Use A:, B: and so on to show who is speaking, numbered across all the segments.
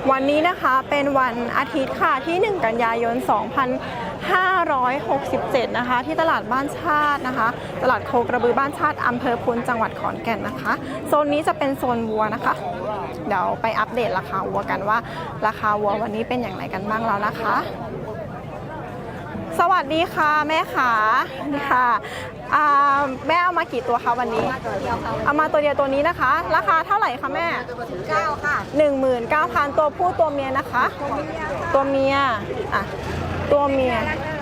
A: วันนี้นะคะเป็นวันอาทิตย์ค่ะที่ 1 กันยายน 2567 นะคะที่ตลาดบ้านชาตินะคะตลาดโคกระบือบ้านชาติอำเภอพุนจังหวัดขอนแก่นนะคะโซนนี้จะเป็นโซนวัวนะคะเดี๋ยวไปอัปเดตราคาวัวกันว่าราคาวัววันนี้เป็นอย่างไรกันบ้างแล้วนะคะสวัสดีค่ะแม่ขานี่ค่ะแม่เอามากี่ตัวคะวันนี้เอามาตัวเดียวตัวนี้นะคะราคาเท่าไหร่คะแม่
B: 9ค่ะ
A: 19,000 ตัวผู้ตัวเมียนะคะตัวเมียอ่ะตัวเมีย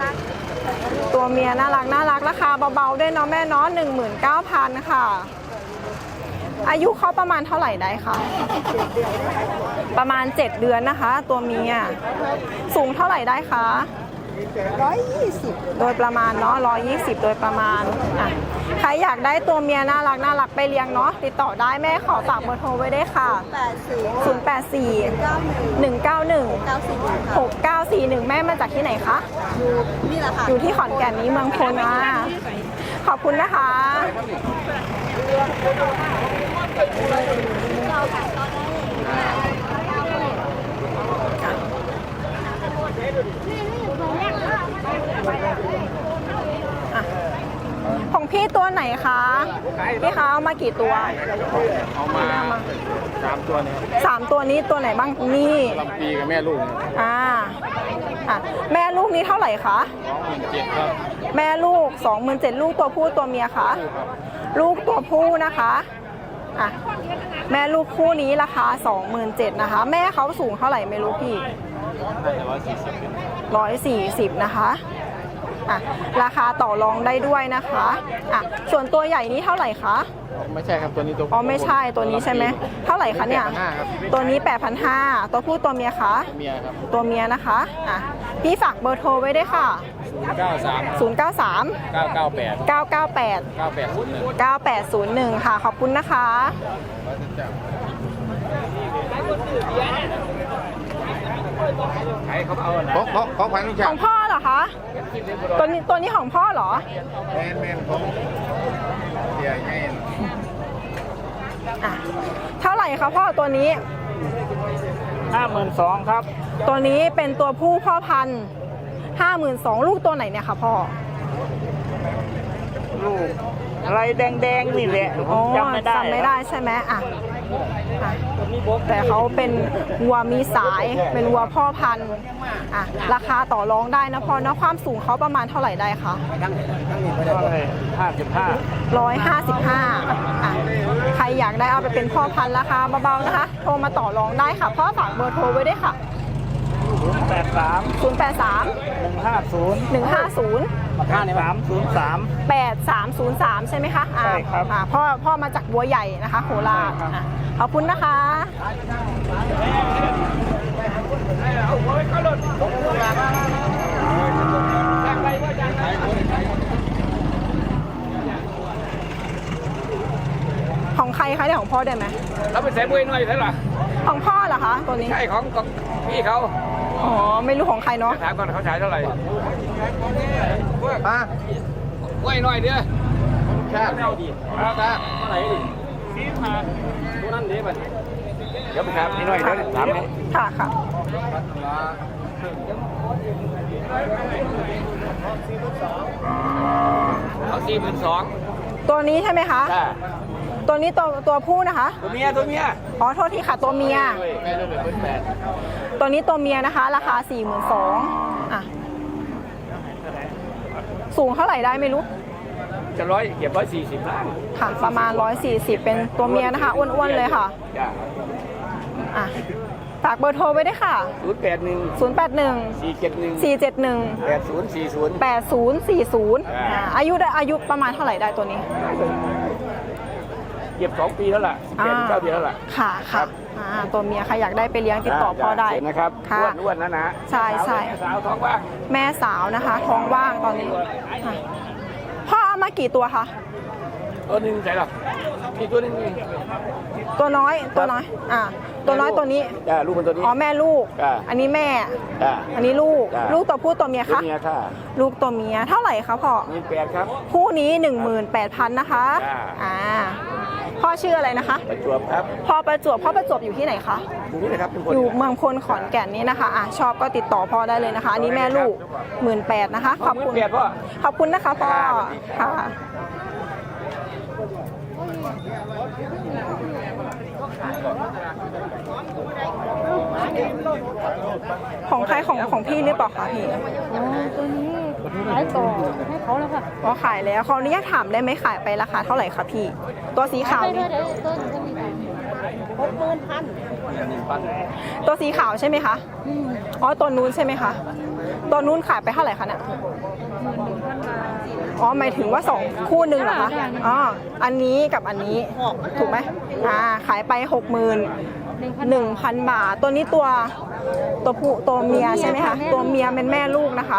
A: น่ารักราคาเบาๆด้วยเนาะแม่เนาะ19,000ค่ะอายุเขาประมาณเท่าไหร่ได้คะประมาณ7 เดือนนะคะตัวเมียสูงเท่าไหร่ได้คะ
B: 120
A: โดยประมาณเนาะ120โดยประมาณอ่ะใครอยากได้ตัวเมียน่ารักไปเลี้ยงเนาะติดต่อได้แม่ขอฝากเบอร์โทรไว้ได้ค่ะ084 191 6941แม่มาจากที่ไหนคะ
B: นี่แหละค่ะ
A: อยู่ที่ขอนแก่นนี้เมืองพลนะขอบคุณนะคะของพี่ตัวไหนคะพี่คะเอามากี่ตัว
C: เอามา3 ตัวเนี่ย
A: 3 ตัวนี้ตัวไหนบ้างนี่
C: ลำปีกับแม่ลูก
A: แม่ลูกนี้เท่าไหร่คะ
C: 27,000ครับ
A: แม่ลูก 27,000ลูกตัวผู้ตัวเมียคะลูกตัวผู้นะคะแม่ลูกคู่นี้ราคา 27,000นะคะแม่เขาสูงเท่าไหร่ไม่รู้พี่140นะคะราคาต่อรองได้ด้วยนะคะส่วนตัวใหญ่นี้เท่าไหร่คะ
C: ไม่ใช่ครับตัวนี้ตัว
A: ไม่ใช่ตัวนี้ใช่ไหมเท่าไหร่คะเนี่ยตัวนี้ 8,500ตัวผู้ตัวเมียคะ
C: เมียครับ
A: ตัวเมียนะคะพี่ฝากเบอร์โทรไว้ได้ค่ะ
C: 093 998 9801
A: ค่ะขอบคุณนะคะ
C: ของขวัญ
A: ของพ่อเหรอคะตัวนี้ของพ่อเหรอ
C: แมนของใหญ่ไง
A: เท่าไหร่คะพ่อตัวนี้
C: 52,000ครับ
A: ตัวนี้เป็นตัวผู้พ่อพันธุ์52,000ลูกตัวไหนเนี่ยคะพ่อ
C: ลูกอะไรแดงนี่แหละจำไม่
A: ได้ใช่ไหมแต่เขาเป็นวัวมีสายเป็นวัวพ่อพันธุ์ราคาต่อรองได้นะพ่อเนาะความสูงเขาประมาณเท่าไหร่ได้คะ155ใครอยากได้เอาไปเป็นพ่อพันธุ์ราคาเบาๆนะคะโทรมาต่อรองได้ค่ะพ่อฝากเบอร์โทรไว้ด้วยค่ะ083 8303ใช่ไหมคะ
C: ใช่ครับ
A: พ่อมาจากบัวใหญ่นะคะโคราชขอบคุณนะคะของใครคะเนี่ยของพ่อได้ไหม
C: เราไปใส่บุ้ยหน่อยใช่หรอ
A: ของพ่อเหรอคะตัวนี้
C: ใช่ของพี่เขา
A: ไม่รู้ของใครเนาะ
C: ถามก่อนเขาขายเท่าไหร่บุ้ยหน่อยเดียวใช่เท่าไหร่ดิตัวนั้นดีป่ะเดี๋ยวไปถามนี่หน่อยเดี๋ยวถาม
A: ค่ะ
C: เอา42,000
A: ตัวนี้ใช่ไหมคะตัวนี้ตัวผู้นะคะ
C: ตัวเมีย
A: โทษทีค่ะตัวเมียตัวนี้ตัวเมียนะคะราคา 42,000สูงเท่าไหร่ได้ไม่รู้
C: จะเก็บ140ล้าน
A: ค่ะประมาณ140เป็นตัวเมียนะคะอ้วนๆเลยค่ะฝากเบอร์โทรไว้ด้วยค่ะ
C: 081 471
A: 8040อายุประมาณเท่าไหร่ได้ตัวนี้
C: เก็บ2 ปีแล้วล่ะ9 เดือนแล้วล่ะ
A: ค่ะตัวเมียใครอยากได้ไปเลี้ยงติดต่อพ่อได้
C: นะครับอ้วนนะ
A: ใช่
C: สาวท้องว่าง
A: แม่สาวนะคะท้องว่างตอนนี้พ่อเอามากี่ตัวคะ
C: ตัวนึงใช่หรอมีตัวนึง
A: ตัวน้อยตัวน้อยตัวนี้
C: ลูกมันตัวนี้
A: แม่ลูกอันนี้แม่อันนี้ลูกตัวผู้ตัวเมียคะลูกตัวเมียเท่าไหร่คะพ่อ
C: 18,000ครับ
A: คู่นี้ 18,000นะคะพ่อพ่อชื่ออะไรนะคะ
C: ประจวบครับ
A: พ่อประจวบอยู่ที่ไหนคะ
C: ตรงนี้นะครับเป็นคน
A: อยู่เมืองพลขอนแก่นนี้นะคะชอบก็ติดต่อพ่อได้เลยนะคะอันนี้แม่ลูก18,000นะคะขอบคุณ
C: 18,000พ่อ
A: ขอบคุณนะคะพ่อค่ะของใครของพี่หรือเปล่าคะพี่
B: ตัวนี้ขายต่อให้เขาแล้วค่ะ
A: ก็ขายแล้วขออนุญาตถามได้ไหมขายไปราคาเท่าไหร่คะพี่ ตัวสีขาว
B: ไป
A: นี่
B: เลยต้นก็มี60,000
A: ตัวสีขาวใช่ไหมคะอ๋อตัวนู้นใช่ไหมคะตัวนู้นขายไปเท่าไหร่คะเนี่ยอ๋อหมายถึงว่า2คู่หนึ่งเหรอคะอ๋ออันนี้กับอันนี้ถูกไหมขายไป61,000 บาทตัวนี้ตัวผู้ตัวเมียใช่ไหมคะตัวเมียเป็นแม่ลูกนะคะ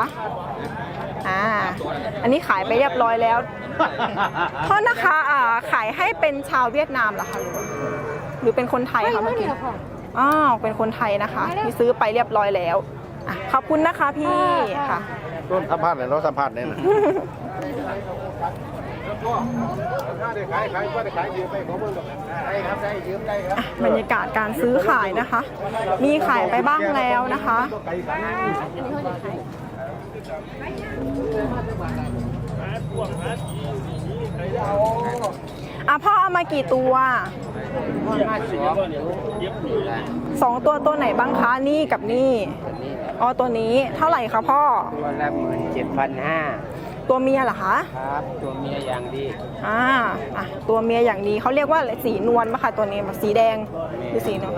A: อันนี้ขายไปเรียบร้อยแล้วเพราะนะคะขายให้เป็นชาวเวียดนามเหรอคะหรือเป็นคนไทยคะเมื่อกี้เป็นคนไทยนะคะที่ซื้อไปเรียบร้อยแล้วขอบคุณนะคะพี่ค่ะ
C: ต้นสัมภาษณ์เลยเราสัมภาษณ์เนี่ยนะ
A: บรรยากาศการซื้อขายนะคะ มีขายไปบ้างแล้วนะคะพ่อเอามากี่ตัว2 ตัวไหนบ้างคะนี่กับนี่อ๋อตัวนี้เท่าไหร่คะพ่อ
D: ตัวละ17,500
A: ตัวเมียเหรอคะ
D: ครับตัวเมียอย่างดี
A: ตัวเมียอย่างดีเขาเรียกว่าสีนวลปะคะตัวนี้แบบสีแดงหรือสีนวล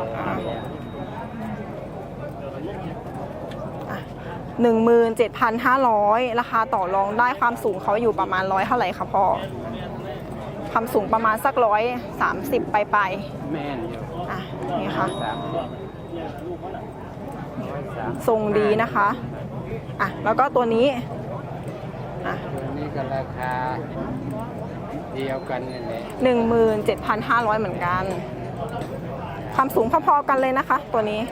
A: 17,500ราคาต่อรองได้ความสูงเขาอยู่ประมาณ100เท่าไหร่คะพ่อความสูงประมาณสัก130ไป
D: แม่นอยู่
A: นี่ค่ะทรงดีนะคะแล้วก็ตัวนี้
D: ตัวนี้ก็ราคาเดียวกันนี่แหละ
A: 17,500เหมือนกันความสูงพอๆกันเลยนะคะ ตัวนี้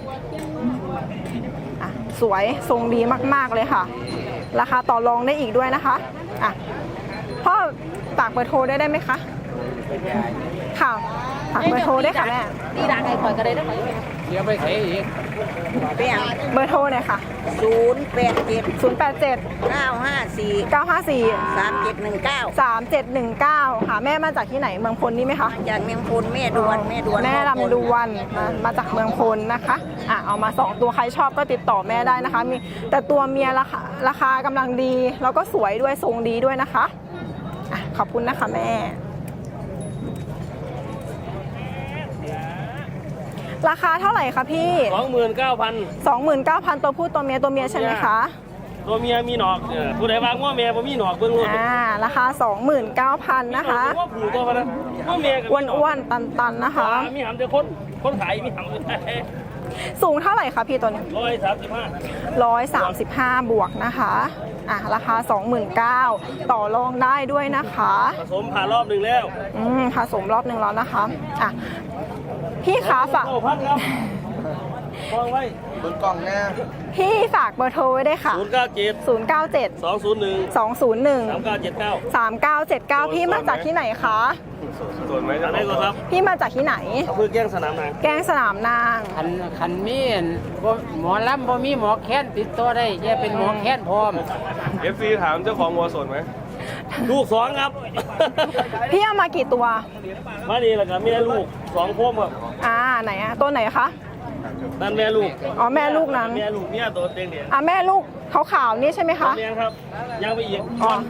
A: สวยทรงดีมากๆเลยค่ะราคาต่อรองได้อีกด้วยนะคะพ่อฝากเบอร์โทรได้ไหมคะค่ะฝากเบอร์โทรได้ค่ะแม่
B: ดีดังไอ้ข่อยก็ได้ได้ไหม
D: เดี๋ยวไปเสียอีก
B: เปลี่ยน
A: เบอร์โทรหน่อยค่ะ
B: 087 954
A: 954
B: 3719
A: 3719ค่ะแม่มาจากที่ไหนเมืองพลนี่ไหมคะ
B: จากเมียงพลแม่ดวนแม่
A: ลำดวนมาจากเมืองพลนะคะเอามา2ตัวใครชอบก็ติดต่อแม่ได้นะคะมีแต่ตัวเมียราคากำลังดีแล้วก็สวยด้วยทรงดีด้วยนะคะขอบคุณนะคะแม่ราคาเท่าไหร่คะพี่
E: 29,000
A: ตัวผู้ตัวเมียใช่ไหมคะ
E: ตัวเมียมีหนอกผู้ใดวางว่าเมียบ่มีหนอกเบิ่งรู้
A: ราคา 29,000 นะคะ
E: ว่าผูตัวมันนะว่าเมียกับ
A: อ้วนๆตันๆนะคะ
E: มีหำแต่คนขายมีหำ
A: สูงเท่าไหร่คะพี่ตัวนี้
E: 135
A: บวกนะคะราคา 29,000ต่อรองได้ด้วยนะคะ
E: ผสมผ่านรอบหนึ่งแล้ว
A: ผสมรอบหนึ่งแล้วนะคะพี่ขาฝาก
E: พันครับวางไว้
C: บนกล่องเนี่ย
A: พี่ฝากเบอร์โทรไว้ได้ค่ะ
E: 097 201
A: 201
E: 3979
A: 3979พี่มาจากที่ไหนคะ
E: ส่วนไหมจากไหนก็ครับ
A: พี่มาจากที่ไหน
E: อำเภอแก้งสนามนาง
A: แกงสนามนาง
D: คันมีหมอลำบ่มีหมอแค้นติดตัวได้แย่เป็นหมอแค้นพร้อม
E: FC ถามเจ้าของวัวสดไหมลูก2ครับ
A: พี่เอามากี่ตัว
E: มาดีแล้วก็แม่ลูก2พวงครับ
A: ไหนตัวไหนคะ
E: นั่นแม่ลูก
A: แม่ลูกนั้น
E: แม่ลูกเนี่ยตัวเต็งเดียว
A: แม่ลูกขาวๆนี่ใช่ไหมคะ
E: เลี้ยงครับยังไปอีก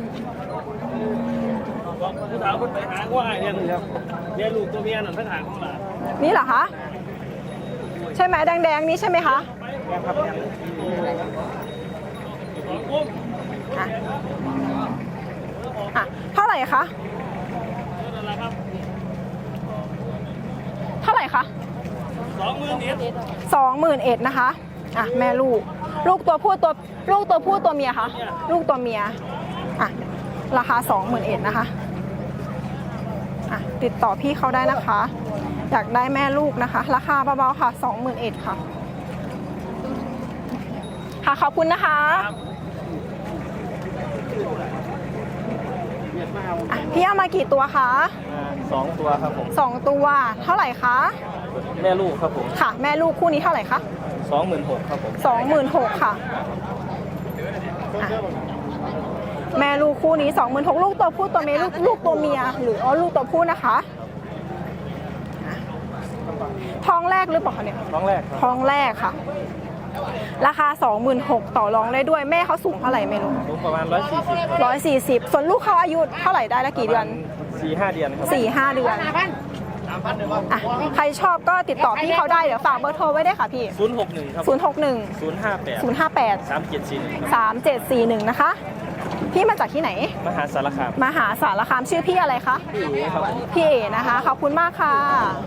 E: บอกผู้สาวคนไปหาว่าไอ้เนี่ยครับเนี่ยลูกตัวเมียนั่นทั้งหางของหลาน
A: นี่เหรอคะใช่ไหมแดงๆนี้ใช่ไหมคะ เท่าไหร่คะเท่าไหร่คะ21,000นะคะแม่ลูกตัวผู้ตัวเมียคะลูกตัวเมียราคา21,000นะคะติดต่อพี่เขาได้นะคะอยากได้แม่ลูกนะคะราคาเบาๆค่ะ21,000ค่ะขอบคุณนะคะอ่ะพี่เอามากี่ตัวคะ
E: 2 ตัวครับผม
A: 2 ตัวเท่าไหร่คะ
E: แม่ลูกครับผม
A: ค่ะ แม่ลูกคู่นี้เท่าไหร่คะ
E: 26,000ครับผม
A: 26,000ค่ะอ่ะแม่ลูกคู่นี้ 26,000ลูกตัวผู้ตัวเมียลูกตัวเมียหรือลูกตัวผู้นะคะอ่ะท้องแรกหรือเปล่าคะเนี่ย
E: ท้องแรกครับ
A: ท้องแรกค่ะ ราคา 26,000ต่อรองได้ด้วยแม่เขาสูงเท่าไหร่ไม่รู้
E: ลูกประมาณ140
A: 140ส่วนลูกเขาอายุเท่าไหร่ได้ละกี่เดือน
E: 4-5 เดือนครับ
A: 4-5 เดือนอ่ะใครชอบก็ติดต่อพี่เขาได้เดี๋ยวฝากเบอร์โทรไว้ได้วยค่ะพี่
E: 061ครับ
A: 061
E: 058
A: 058
E: 3741
A: 3741นะคะพี่มาจากที่ไหน
E: มหาสารคาม
A: มหาสารคามชื่อพี่อะไรคะ
E: พี่เอ๋ครับ
A: พี่เอ๋นะคะขอบคุณมากค่ะ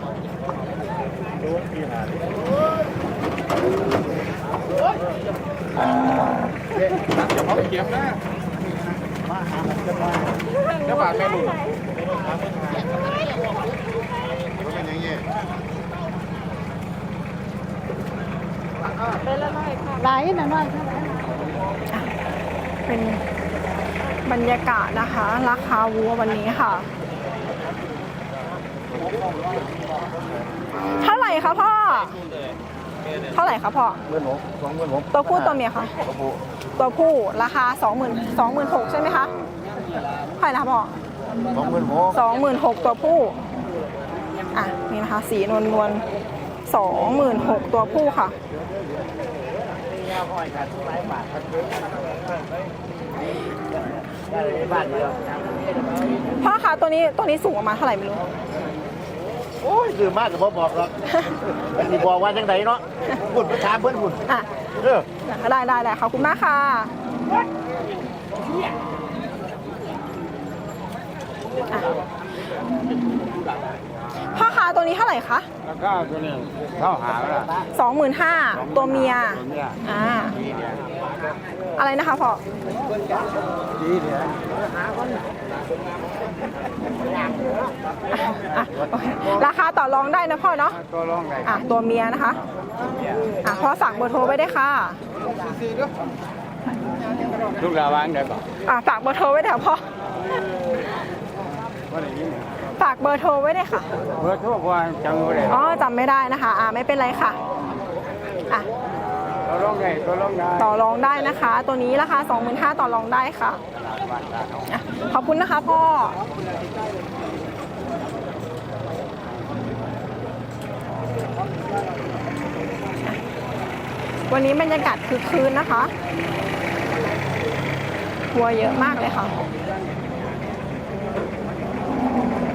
B: หลายหน่อยค่ะ
A: เป็นบรรยากาศนะคะ ราคาวัววันนี้ค่ะ เท่าไหร่คะพ่อ เท่าไหร่คะพ่อ
E: 26,000
A: ตัวผู้ตัวเมียคะตัวผู้ราคา 26,000ใช่ไหมคะเท่าไหร่นะคะพ่อ 26,000ตัวผู้อ่ะนี่นะคะสีนวล26,000ตัวผู้ค่ะพ่อคะตัวนี้สูงประมาณเท่าไหร่ไม่รู้
F: โอ้ยคือมากกับพ่อบอกหรอกนี่บอกว่าจังไดเนาะหุ่นประชาเพื่อนหุ่น
A: อ่ะ ได้ขอบคุณมากค่ะอ่ะพ่อคะตัวนี้เท่าไหร่คะ
D: แล้วก็ตัวนี้เข้าหาแล้วล่ะ
A: 25,000ตัวเมียอ่าอะไรนะคะพ่อ
D: ดีเดี๋ยว
A: อ่ะโอเคราคาต่อรองได้นะพ่อเนาะ
D: ตัวรองไหน
A: อ่ะตัวเมียนะคะอ่ะพ่อฝากเบอร์โทรไว้ได้ค่ะ
D: ลูกระวังได้ป่ะ
A: อ่ะฝากเบอร์โทรไว้เดี๋ยวพ่อ
D: ว่าอย่างนี้
A: ฝากเบอร์โทรไว้ได้ค่ะ
D: เบอร์โทรว่าจังเลย
A: อ๋อจำไม่ได้นะคะไม่เป็นไรค่ะอ่ะ
D: ตัวรองได้ตัวรองได้
A: ต่อรองได้นะคะ ตัวนี้ราคา 25,000ต่อรองได้ค่ะอ่ะขอบคุณนะคะพ่อวันนี้บรรยากาศคึกคืนนะคะวัวเยอะมากเลยค่ะ